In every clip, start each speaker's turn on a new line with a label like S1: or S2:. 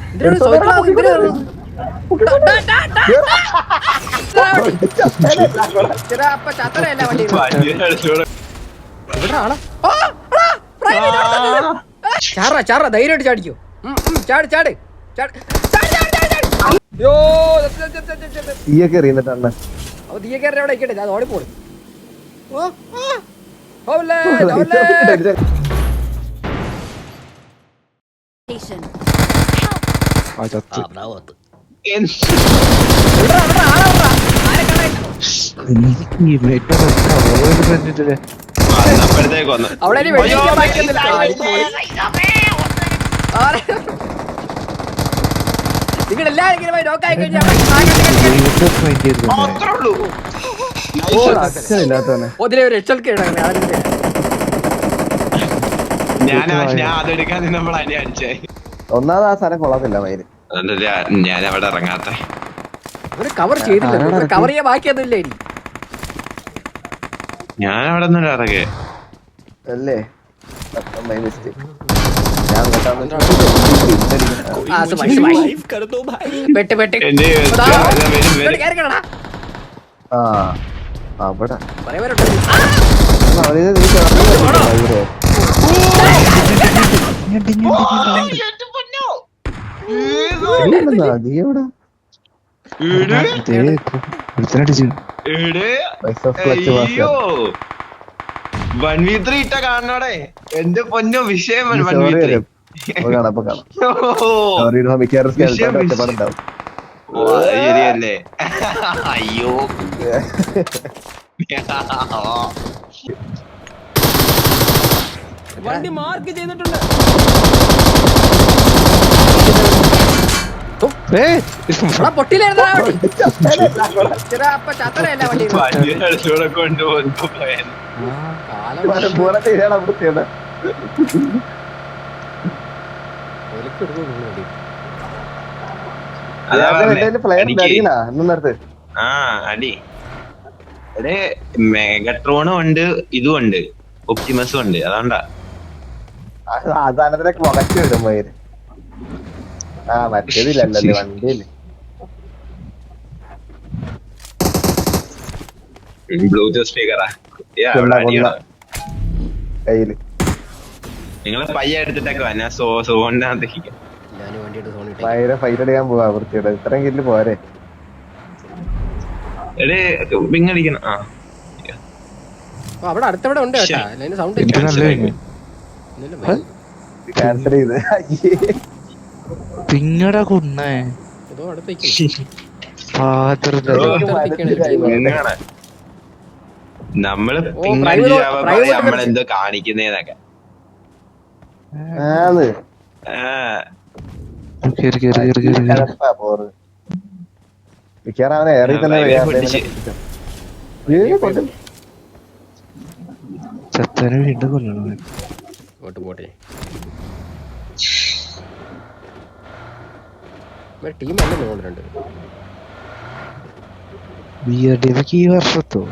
S1: ചാറ ധൈര്യമായിട്ട് ചാടിക്കോ. ചാട് ചാട് ചാട്. തീയക്കേറി അവിടെ ഇരിക്കട്ടെ, അത് ഓടിപ്പോളി. നിങ്ങളെല്ലാരും നോക്കായി കഴിഞ്ഞാൽ ഒരു HLK
S2: ഒന്നാമത് ആ സാധനം കൊള്ളത്തില്ല മയില്.
S3: ഞാൻ അവിടെ ഇറങ്ങാത്ത
S1: ഒരു കവർ ചെയ്തില്ല, കവർ ചെയ്യാൻ ബാക്കിയൊന്നുമില്ല. ഇനി
S3: ഞാൻ അവിടെ ഒന്നും ഇറങ്ങേ
S2: അല്ലേ?
S3: ഇട്ട കാണണോടെ എന്റെ പൊന്നോ വിഷയം. ശരിയല്ലേ? അയ്യോ
S1: വണ്ടി മാർക്ക് ചെയ്തിട്ടുണ്ട്.
S3: അടി മെഗട്രോണും ഉണ്ട്, ഇതും ഉണ്ട്, ഒപ്റ്റിമസും ഉണ്ട്. അതുകൊണ്ടാ
S2: സാധനത്തിനൊക്കെ മുഖച്ചു വിടും മയില്. മറ്റേതില്ലല്ലേ വണ്ടിയില്.
S3: ബ്ലൂടൂത്ത് സ്പീക്കറാ
S2: കയ്യില്.
S3: നിങ്ങള് പയ്യ എടുത്തിട്ടൊക്കെ വന്നാ സോണിനകത്ത്
S2: ഭയങ്കര ഫൈറ്റ് അടിക്കാൻ പോവാ വൃത്തിയുടെ. ഇത്രയും കില്ല് പോരെ.
S3: പിങ്ങടിക്കണം.
S1: അവിടെ അടുത്തവിടെ ഉണ്ട് സൗണ്ട്
S2: ക്യാൻസൽ ചെയ്ത്
S4: പിന്നടാ കൊന്നേ
S3: നമ്മള് നമ്മളെന്തോ കാണിക്കുന്നതൊക്കെ.
S2: അവനെ ഏറി തന്നെ
S4: ചത്തനെ വീണ്ടും കൊല്ലണം.
S1: പോട്ടെ ടീം ഉണ്ട്.
S4: ഈ വർഷത്തോ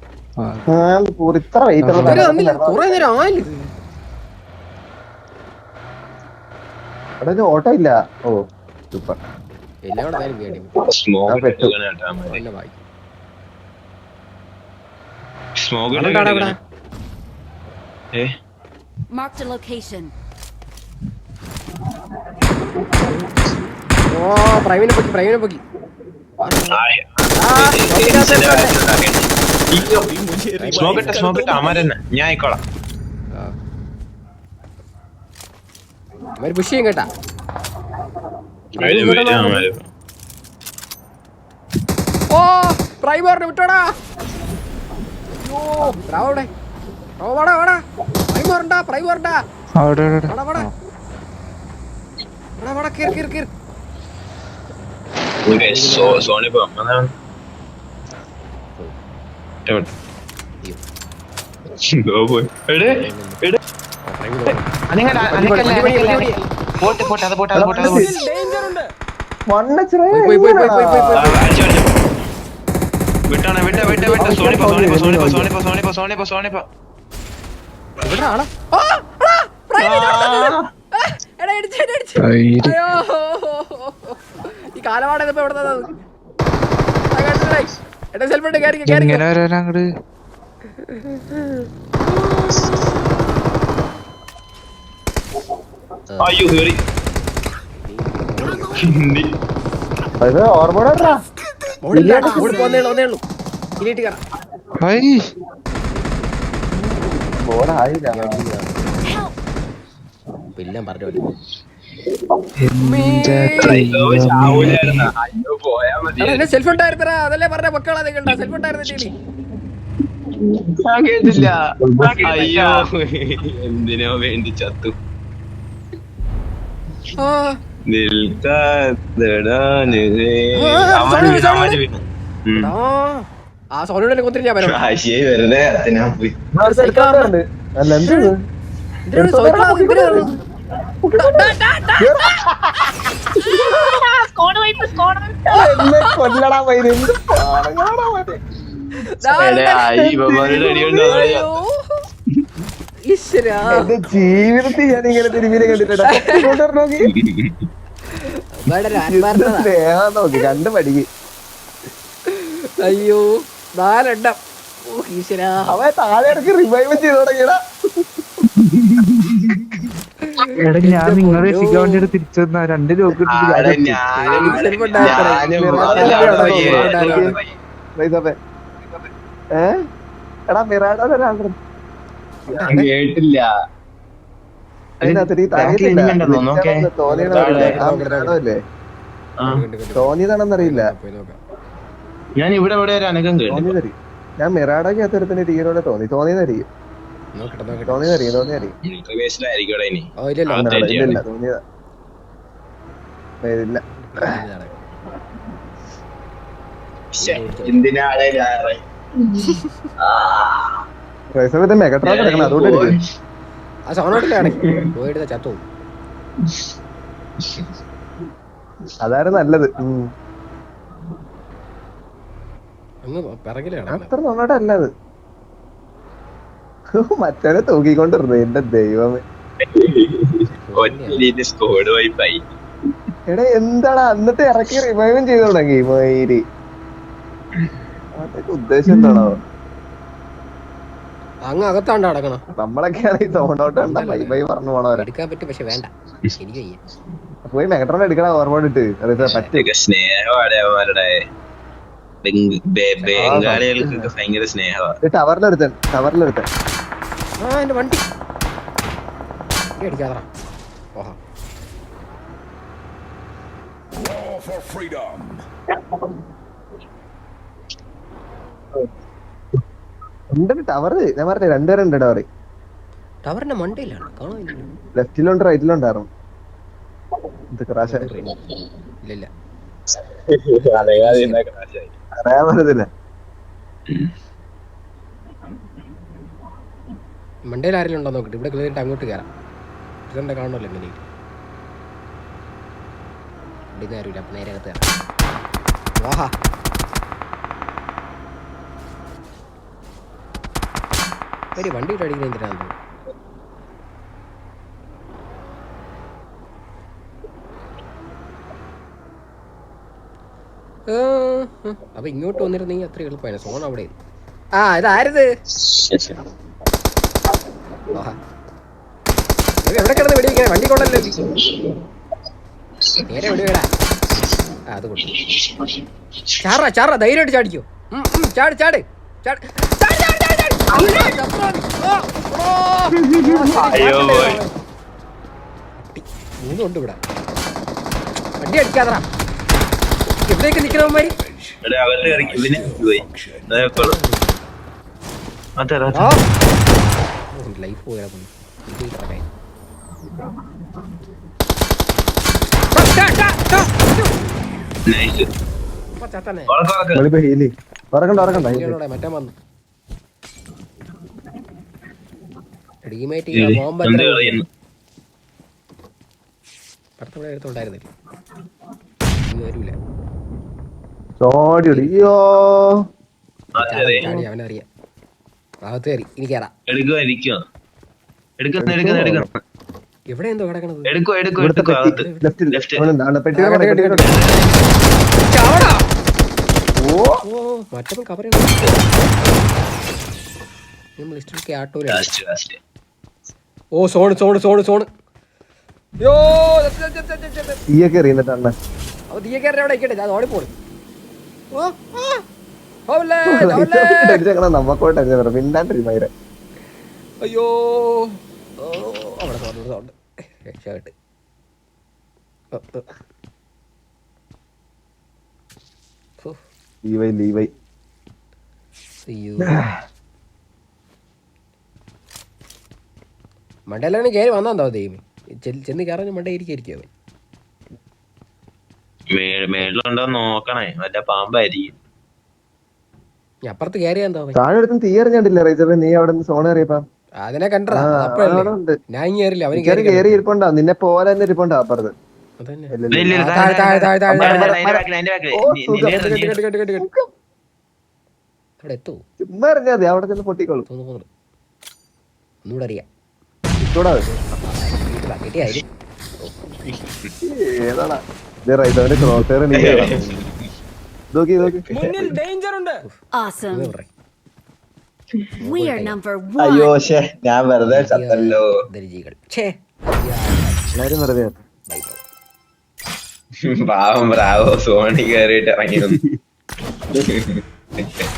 S2: ഇത്ര വെയിറ്റ്
S1: കുറെ നേരം ആയില്ല.
S2: അവിടെ ഓട്ടോ ഇല്ല. ഓ സൂപ്പർ.
S5: Marked a location.
S1: പ്രൈമിനെ പൊക്കി.
S3: ഞാൻ ആയിക്കോളാം.
S1: പുഷ് ചെയ്യും കേട്ടാ. ഓ പ്രൈമറിനെ വിട്ടോടാ. പ്രൈമറുണ്ടാ. കാലവാട ഇതിപ്പോ എവിടെ എടാ സെൽഫിട്ട്
S4: എങ്ങനെ വരാൻ അങ്ങട്
S3: അയ്യോ കേറി
S2: ഓർമ്മ
S1: ഒന്നേ ഉള്ളൂ ഇനിയിട്ട് കയറാം
S4: ഹൈ
S2: ബോർഡായില്ല
S1: എല്ലാം പറഞ്ഞു
S3: അയ്യോ പോയാ മതി
S1: എന്നെ സെൽഫ് ഉണ്ടായിരുന്നടാ അതല്ലേ പറഞ്ഞ മക്കളാ നിങ്ങളുടെ സെൽഫ് ഉണ്ടായിരുന്നില്ലേ
S3: ഞാൻ കേട്ടില്ല അയ്യോ എന്തിനോ വേണ്ടി ചത്തു
S1: ആ സോണിയുടെ കൊത്തിരി ഞാൻ വരാം
S3: വെറുതെ അത്തിനാ പോയി
S2: അല്ല എന്ത് എന്നെ കൊല്ലടാ പൈര് എന്ത് എന്റെ ജീവിതത്തിൽ ഞാൻ ഇങ്ങനെ തിരുമീനെ കണ്ടിട്ടാ നോക്കി കണ്ട് പഠിക്ക്
S1: അയ്യോ 4 എണ്ണം ഈശ്വരാ
S2: അവൻ താഴെ ഇടയ്ക്ക് റിവൈവ് ചെയ്ത് തുടങ്ങിയടാ
S4: എടാ ഞാൻ നിങ്ങളെ രക്ഷിക്കാൻ വേണ്ടിട്ട് തിരിച്ചു വന്ന 2 ലോക്ക്
S2: എടാ മിറാഡോ
S3: കേട്ടില്ല
S2: തോന്നിയതാണെന്നറിയില്ല
S3: ഞാൻ ഇവിടെ ഇവിടെ ഒരു അനക്കം കേട്ടു
S2: തോന്നിയതറി ഞാൻ മിറാഡോക്ക് അത്തരത്തിന് ടീനോടെ തോന്നിയതറിയും തോന്നിയതറിയും ഇല്ല തോന്നിയതാ ഇല്ല മെഗട്രോൺ കിടക്കണം അതുകൊണ്ട്
S1: ആ സോണോട്ടിലാണ് പോയിട്ട് ചത്തു
S2: അതായിരുന്നു നല്ലത്
S1: അങ്ങ് പിറകിലാണ്
S2: അത്ര നന്നായിട്ട് അല്ലത് മറ്റവനെ തൂക്കിക്കൊണ്ടിരുന്നു എന്റെ ദൈവമേ എടാ എന്താടാ എന്നിട്ട് ഇറക്കി റിവൈവും ചെയ്തു തുടങ്ങി മയില് അതൊക്കെ ഉദ്ദേശം എന്താണോ
S1: അങ്ങ് അകത്താണ്ട് അടക്കണം
S2: നമ്മളൊക്കെയാണ് ഈ സോണ്ടോട്ട് കണ്ട ബൈ പറഞ്ഞു പോണവരെ
S1: എടുക്കാൻ പറ്റും പക്ഷെ വേണ്ട എനിക്ക്
S2: പോയി മെഗട്രോൺ എടുക്കണ ഓർമ്മോടിട്ട് പറ്റുക
S3: സ്നേഹമാടെ ബംഗാളികൾക്കൊക്കെ ഭയങ്കര സ്നേഹമാണ്
S2: ടവറിലെടുത്തൻ
S1: ആ എന്റെ വണ്ടി അടിക്കാതാ ഓഹാ
S2: ടവറ് ഞാൻ പറഞ്ഞ 2 പേരുണ്ട് ടവറ്
S1: ടവറിന്റെ മണ്ടയിലാണ് കാണാനില്ല
S2: ലെഫ്റ്റിലുണ്ട് റൈറ്റിലുണ്ടായിരുന്നു ഇത് ക്രാഷ്
S1: ഇല്ല
S2: അറിയാൻ പറ്റത്തില്ല
S1: മണ്ടയിൽ ആരെങ്കിലും ഉണ്ടോ നോക്കിട്ട് ഇവിടെ കേറിയിട്ട് അങ്ങോട്ട് കയറാം ഇതെന്താ കാണണല്ലോ എങ്ങനെ ഇവിടെ ആരുമില്ല അപ്പൊ നേരെ അകത്ത് കയറാം വാഹാ വണ്ടി വിട്ട് അടിക്കുന്ന എന്തിനാന്ന് അപ്പൊ ഇങ്ങോട്ട് വന്നിരുന്നെങ്കിൽ അത്ര എളുപ്പമാണ് സോൺ അവിടെ ആ ഇതാരത് എവിടെ കിടന്ന് വെടിവെക്കാൻ വണ്ടി കൊണ്ടല്ലോ നേരെ വെടിവേടാ അത് കൊണ്ടു ചാറ ധൈര്യമായിട്ട് ചാടിക്കോ ചാട് ചാട് ചാട് മൂന്നുണ്ട് ഇവിടെ വണ്ടി അടിക്കാതറാ എവിടെയൊക്കെ നിക്കണവന്മാര് ലൈഫ് പോയാ മറ്റേ വന്നു റീമേറ്റ് എടുത്തുണ്ടായിരുന്നില്ല വരൂല അവനറിയാം ഭാഗത്ത് കയറി ഇനി കയറാം
S3: എടുക്കണം
S1: എവിടെ എന്തോ കിടക്കണത്
S3: എടുക്കോ എടുക്കോ
S2: ഇവിടുത്തെ
S3: എടുക്കോ
S2: പെട്ടി
S3: അകത്ത്
S2: ലെഫ്റ്റിൽ
S3: ലെഫ്റ്റ്
S2: പെട്ടിയുടെ
S1: ആ,
S2: പെട്ടിയുടെ
S1: കേട്ട്, ചാവടാ.
S2: ഓ
S1: ഓ മറ്റവൻ കവർ നമ്മൾ ലിസ്റ്റിൽ ആട്ടോയില
S3: ലാസ്റ്റ് ലാസ്റ്റ്
S1: ഓ സോണ് യോ
S2: തീയൊക്കെ എറിയുന്നിട്ട് അണ്ണൻ
S1: അവ തീയക്കാരൻ അവിടെ ഇരിക്കട്ടെ ഞാൻ ഓടിപ്പോളി
S2: നമ്മക്കോട്ടെ മിണ്ടാണ്ടിരുന്നവരെ
S1: അയ്യോ ഓ, അവിടെ സൗണ്ട് രക്ഷപ്പെട്ട്
S2: ലീവൈ
S1: അയ്യോ മണ്ടയിലാണ് കയറി വന്നാന്തോ ദൈവം ചെന്ന് കയറാൻ മണ്ട ഇരിക്കും അവൻ
S3: മേളിലുണ്ടോ നോക്കണേ മറ്റേ പാമ്പായിരിക്കും
S1: ഞാൻ അപ്പുറത്ത് കയറിയാ എന്തോ അവൻ
S2: താഴെ എടുത്തും തീ എറിഞ്ഞിട്ടില്ല റൈസപ്പ നീ അവിടെ നിന്ന് സോണ എറിയപ്പാ
S1: അതിനെ കണ്ടടാ അപ്പഴല്ലേ
S2: ഉണ്ട്
S1: ഞാൻ ഇനി കയറില്ല അവന്
S2: മിക്കവാറും കേറി ഇരിപ്പുണ്ടാ നിന്നെ പോലെ തന്നെ ഇരിപ്പുണ്ടാ അപ്പുറത്ത്
S1: അതന്നെ
S2: ഇല്ല,
S3: ഇല്ല,
S2: ഇല്ല.
S3: ഇല്ല,
S1: താഴെ, താഴെ, താഴെ, താഴെ, താഴെ.
S3: അതിന്റെ ബാക്കില്
S2: ഓ, സുഖം.
S1: കേട്ട്. അവിടെ എത്തൂ
S2: ചുമ്മാ എറിഞ്ഞാ മതി അവിടെ ചെന്ന് പൊട്ടിക്കോളും
S1: തോന്നുന്നു ഒന്നുകൂടെ അറിയാം
S2: ഇട്ടൂടാ
S1: കിട്ടിയായാലും
S2: ഏതാടാ ഇത് റൈസവന്റെ ക്രോസ് നീ നോക്കി
S5: Awesome. We are number
S3: അയ്യോ
S5: one.
S3: പക്ഷേ ഞാൻ വെറുതെ ചത്തല്ലോ
S1: ദരിജികൾ ഛേ
S2: എല്ലാരും വെറുതെ
S1: ബൈ ബ്രോ
S3: പാവം ബ്രാവോ സോണി കയറിയിട്ട് ഇറങ്ങി